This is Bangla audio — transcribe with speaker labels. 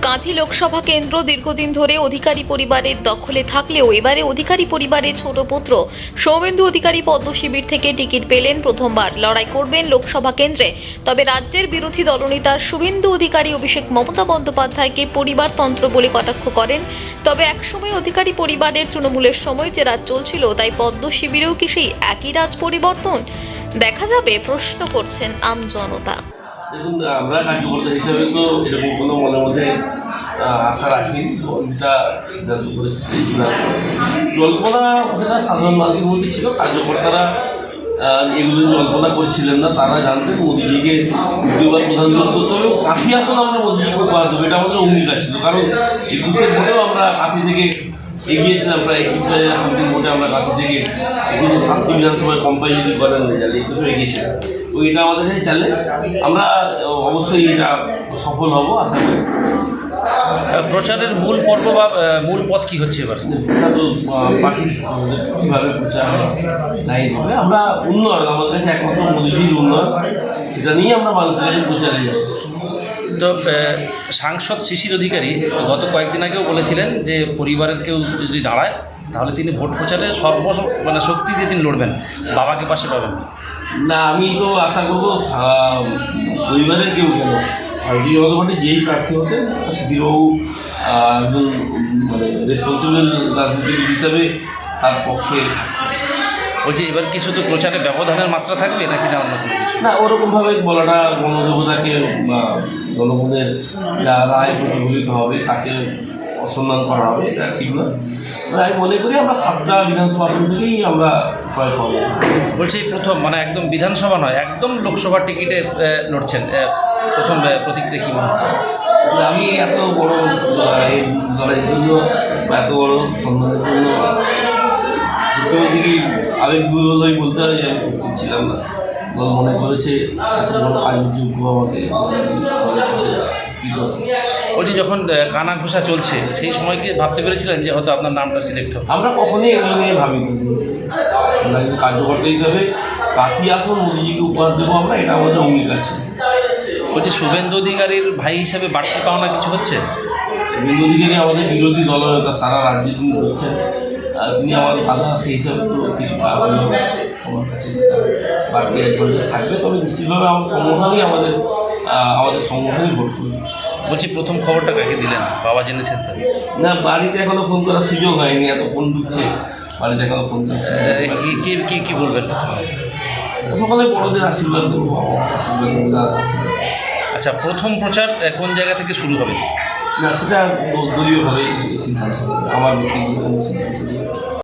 Speaker 1: কাঁথি লোকসভা কেন্দ্র দীর্ঘদিন ধরে অধিকারী পরিবারের দখলে থাকলেও এবারে অধিকারী পরিবারের ছোট পুত্র সৌমেন্দু অধিকারী পদ্ম শিবির থেকে টিকিট পেলেন। প্রথমবার লড়াই করবেন লোকসভা কেন্দ্রে। তবে রাজ্যের বিরোধী দলনেতা শুভেন্দু অধিকারী অভিষেক মমতা বন্দ্যোপাধ্যায়কে পরিবারতন্ত্র বলে কটাক্ষ করেন। তবে একসময় অধিকারী পরিবারের তৃণমূলের সময় যে রাজ চলছিল, তাই পদ্ম শিবিরেও কি সেই একই রাজ পরিবর্তন দেখা যাবে, প্রশ্ন করছেন আমজনতা।
Speaker 2: দেখুন, আমরা কার্যকর্তা হিসাবে তো এরকম কোনো মনের মধ্যে আশা রাখি, যেটা সিদ্ধান্ত করেছে সেই জল্পনা সেটা সাধারণ মানুষের মধ্যে ছিল। কার্যকর্তারা এগুলো জল্পনা করছিলেন না, তারা জানতেন মোদিজিকে দ্বিতীয়বার প্রধানমন্ত্রী করতে হবে। কাঁথি আসন আমরা মোদিজিকে উপহার দেবো, এটা আমাদের অঙ্গীকার ছিল। কারণ 21-এর ভোটেও আমরা কাঁথি থেকে এগিয়েছিলাম, প্রায় 21,000 ভোটে আমরা কাঁথি থেকে 7টি বিধানসভায় কম্পাইজেশন করেন রেজাল্ট 21-এ এগিয়েছিলাম। তো এটা আমাদের কাছে চ্যালেঞ্জ, আমরা অবশ্যই এটা সফল হব আশা করি।
Speaker 3: প্রচারের মূল পর্ব বা মূল পথ কি হচ্ছে এবার?
Speaker 2: তো বাকি কীভাবে প্রচার লাইন হবে, আমরা উন্নয়ন, আমাদের কাছে একমাত্র মোদিজির উন্নয়ন, সেটা নিয়ে আমরা মানুষের কাছে প্রচারে যাব।
Speaker 3: তো সাংসদ শিশির অধিকারী গত কয়েকদিন আগেও বলেছিলেন যে পরিবারের কেউ যদি দাঁড়ায় তাহলে তিনি ভোট প্রচারে শক্তি দিয়ে তিনি লড়বেন, বাবাকে পাশে পাবেন
Speaker 2: না। আমি তো আশা করবো পরিবারের কেউ কেন, ভারতীয় জনতা পার্টি যেই প্রার্থী হতেন শিশিরবাবু একজন রেসপন্সিবল রাজনীতিবিদ হিসাবে তার পক্ষে।
Speaker 3: বলছি, এবার কি শুধু প্রচারে ব্যবধানের মাত্রা থাকবে নাকি না অন্য কোনো কিছু?
Speaker 2: না, ওরকমভাবে বলাটা গণদেবতাকে বা জনগণের যা রায় প্রতিফলিত হবে তাকে অসম্মান করা হবে, এটা ঠিক না। আমি মনে করি আমরা 7টা বিধানসভা আসন থেকেই আমরা জয় পাবো।
Speaker 3: বলছি, প্রথম একদম বিধানসভা নয়, একদম লোকসভার টিকিটে লড়ছেন, প্রথম প্রতিক্রিয়া কী মনে হচ্ছে?
Speaker 2: আমি এত বড় এই দলের জন্য বা এত বড় সম্মানের জন্য সত্যি দিকে আবেগগুলোই বলতে হয় যে আমি প্রস্তুত ছিলাম না। দল মনে করেছে এত বড় কাজের যোগ্য আমাকে
Speaker 3: বলছি, যখন কানা ঘোষা চলছে সেই সময় কি ভাবতে পেরেছিলেন যে হয়তো আপনার নামটা সিলেক্ট হবে?
Speaker 2: আমরা কখনোই এগুলো নিয়ে ভাবিনি। আমরা কিন্তু কার্যকর্তা হিসাবে কাঁথি আসন মোদিজিকে উপহার দেবো আমরা, এটা আমাদের অঙ্গীকার ছিল।
Speaker 3: বলছি, শুভেন্দু অধিকারীর ভাই হিসাবে বাড়তি পাওনা কিছু হচ্ছে?
Speaker 2: শুভেন্দু অধিকারী আমাদের বিরোধী দলনেতা, সারা রাজ্যে তিনি হচ্ছেন, তিনি আমার দাদা, সেই হিসাবে তো কিছু পাবেন আমার কাছে বাড়তি অ্যাডভান্টেজ থাকবে। তবে নিশ্চিতভাবে আমার সংগঠনই আমাদের সংগঠনই ভোট করবে।
Speaker 3: বলছি, প্রথম খবরটা কাকে দিলেন? বাবা জেনেছেন তো?
Speaker 2: না, বাড়িতে এখনো ফোন করার সুযোগ হয়নি, এত ফোন ঢুকছে, বাড়িতে এখনো ফোন করছে।
Speaker 3: কি বলবেন?
Speaker 2: সকালে বড়দের আশীর্বাদ দেবো, আশীর্বাদ।
Speaker 3: আচ্ছা, প্রথম প্রচার কোন জায়গা থেকে শুরু হবে?
Speaker 2: না, সেটা দলীয়ভাবে সিদ্ধান্ত হবে, আমার ব্যক্তিগত সিদ্ধান্ত।